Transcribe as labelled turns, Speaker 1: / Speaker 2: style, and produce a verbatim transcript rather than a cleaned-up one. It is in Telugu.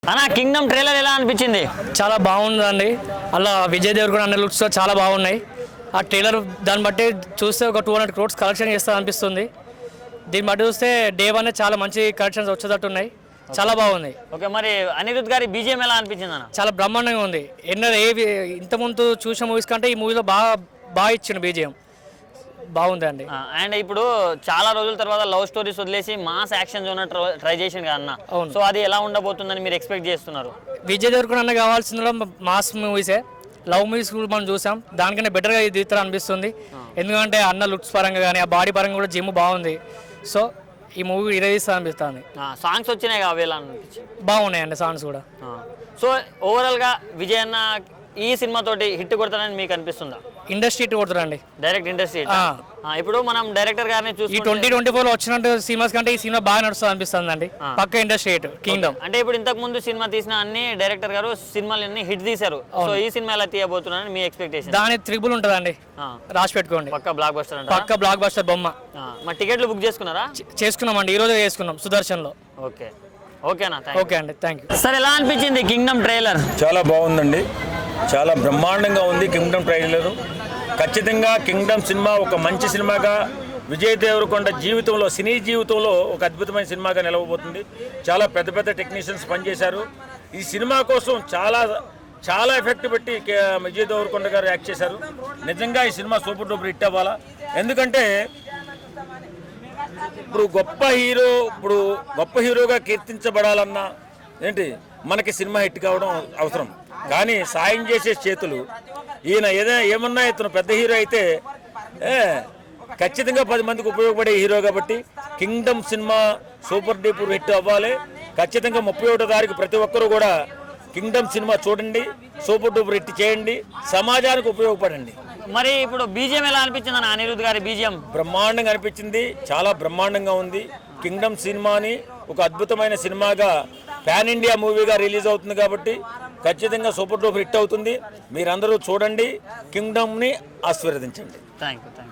Speaker 1: అన్న కింగ్డమ్ ట్రైలర్ ఎలా అనిపించింది?
Speaker 2: చాలా బాగుందండి. అలా విజయ్ దేవరకొండ అన్న లుక్స్ చాలా బాగున్నాయి. ఆ ట్రైలర్ దాన్ని బట్టి చూస్తే ఒక టూ హండ్రెడ్ క్రోడ్స్ కలెక్షన్ చేస్తా అనిపిస్తుంది. దీన్ని బట్టి చూస్తే డే వన్ చాలా మంచి కలెక్షన్స్ వచ్చేటట్టు ఉన్నాయి. చాలా బాగుంది.
Speaker 1: ఓకే, మరి అనిరుద్ గారి బీజిఎం ఎలా అనిపించింది అన్న?
Speaker 2: చాలా బ్రహ్మాండంగా ఉంది. ఎన్నో ఏ ఇంతకుముందు చూసిన మూవీస్ కంటే ఈ మూవీలో బాగా బాగా ఇచ్చిండు బీజిఎం. బాగుంది అండి.
Speaker 1: అండ్ ఇప్పుడు చాలా రోజుల తర్వాత లవ్ స్టోరీస్ వదిలేసి మాస్ యాక్షన్ జోన్ ట్రై చేసింది కదా అన్న. సో అది ఎలా ఉండబోతుందని మీరు ఎక్స్పెక్ట్ చేస్తున్నారు?
Speaker 2: విజయ్ దేవరకొండ అన్న కావాల్సిన మాస్ మూవీసే. లవ్ మూవీస్ కూడా మనం చూసాం, దానికన్నా బెటర్గా ఇది తీస్తారు అనిపిస్తుంది. ఎందుకంటే అన్న లుక్స్ పరంగా కానీ ఆ బాడీ పరంగా కూడా జిమ్ బాగుంది. సో ఈ మూవీ ఇరవైస్తా అనిపిస్తుంది.
Speaker 1: సాంగ్స్ వచ్చినాయి కదా ఎలా అనిపించింది?
Speaker 2: బాగున్నాయండి సాంగ్స్ కూడా.
Speaker 1: సో ఓవరాల్గా విజయ్ అన్న ఈ సినిమా తోటి హిట్ కొడతానని మీకు అనిపిస్తుందా?
Speaker 2: ఇండస్ట్రీ హిట్ కొడుతారండి,
Speaker 1: డైరెక్ట్ ఇండస్ట్రీ. ఇప్పుడు మనం డైరెక్టర్ గారిని చూసి
Speaker 2: ఈ ట్వంటీ ట్వంటీ ఫోర్ లో వచ్చినట్టు సినిమాస్ కంటే ఈ సినిమా బాగా నడుస్తుంది అనిపిస్తుంది అండి. పక్క ఇండస్ట్రీ హిట్ కింగ్డమ్.
Speaker 1: అంటే ఇప్పుడు ఇంతకు ముందు సినిమా తీసిన అన్ని డైరెక్టర్ గారు సినిమాలన్నీ హిట్ తీశారు. సో ఈ సినిమా ఎలా తీయబోతున్నారని మీ ఎక్స్పెక్టేషన్?
Speaker 2: దాని త్రిబుల్ ఉంటుందండి, రాసి పెట్టుకోండి.
Speaker 1: పక్క బ్లాక్ బస్టర్,
Speaker 2: పక్క బ్లాక్ బస్టర్ బొమ్మ.
Speaker 1: మా టికెట్లు బుక్ చేసుకున్నారా?
Speaker 2: చేసుకున్నామండి, ఈ రోజు చేసుకున్నాం సుదర్శన్ లో.
Speaker 1: ఓకే ఓకేనా,
Speaker 2: ఓకే అండి, థ్యాంక్ యూ.
Speaker 1: సార్ ఎలా అనిపించింది కింగ్డమ్ ట్రైలర్?
Speaker 3: చాలా బాగుందండి, చాలా బ్రహ్మాండంగా ఉంది కింగ్డమ్ ట్రైలర్. ఖచ్చితంగా కింగ్డమ్ సినిమా ఒక మంచి సినిమాగా విజయ్ దేవరకొండ జీవితంలో, సినీ జీవితంలో ఒక అద్భుతమైన సినిమాగా నిలవబోతుంది. చాలా పెద్ద పెద్ద టెక్నీషియన్స్ పనిచేశారు ఈ సినిమా కోసం. చాలా చాలా ఎఫెక్ట్ పెట్టి విజయ్ దేవరకొండ గారు యాక్ట్ చేశారు. నిజంగా ఈ సినిమా సూపర్ డూపర్ హిట్ అవ్వాలా. ఎందుకంటే ఇప్పుడు గొప్ప హీరో ఇప్పుడు గొప్ప హీరోగా కీర్తించబడాలన్నా ఏంటి మనకి సినిమా హిట్ కావడం అవసరం. కానీ సాయం చేసే చేతులు ఈయన ఏదైనా ఏమన్నా ఇతను పెద్ద హీరో అయితే ఖచ్చితంగా పది మందికి ఉపయోగపడే హీరో కాబట్టి Kingdom cinema super duper hit అవ్వాలి. ఖచ్చితంగా ముప్పై ఒకటో తారీఖు ప్రతి ఒక్కరూ కూడా కింగ్డమ్ సినిమా చూడండి, సూపర్ డూపర్ హిట్ చేయండి, సమాజానికి ఉపయోగపడండి.
Speaker 1: మరి ఇప్పుడు బీజిఎం ఎలా అనిపించింది అన్న? అనిరుద్ గారి బీజిఎం
Speaker 3: బ్రహ్మాండంగా అనిపించింది, చాలా బ్రహ్మాండంగా ఉంది. కింగ్డమ్ సినిమాని ఒక అద్భుతమైన సినిమాగా పాన్ ఇండియా మూవీగా రిలీజ్ అవుతుంది కాబట్టి ఖచ్చితంగా సూపర్ డూపర్ హిట్ అవుతుంది. మీరందరూ చూడండి, కింగ్డమ్ని ఆశీర్వదించండి.
Speaker 1: Thank you.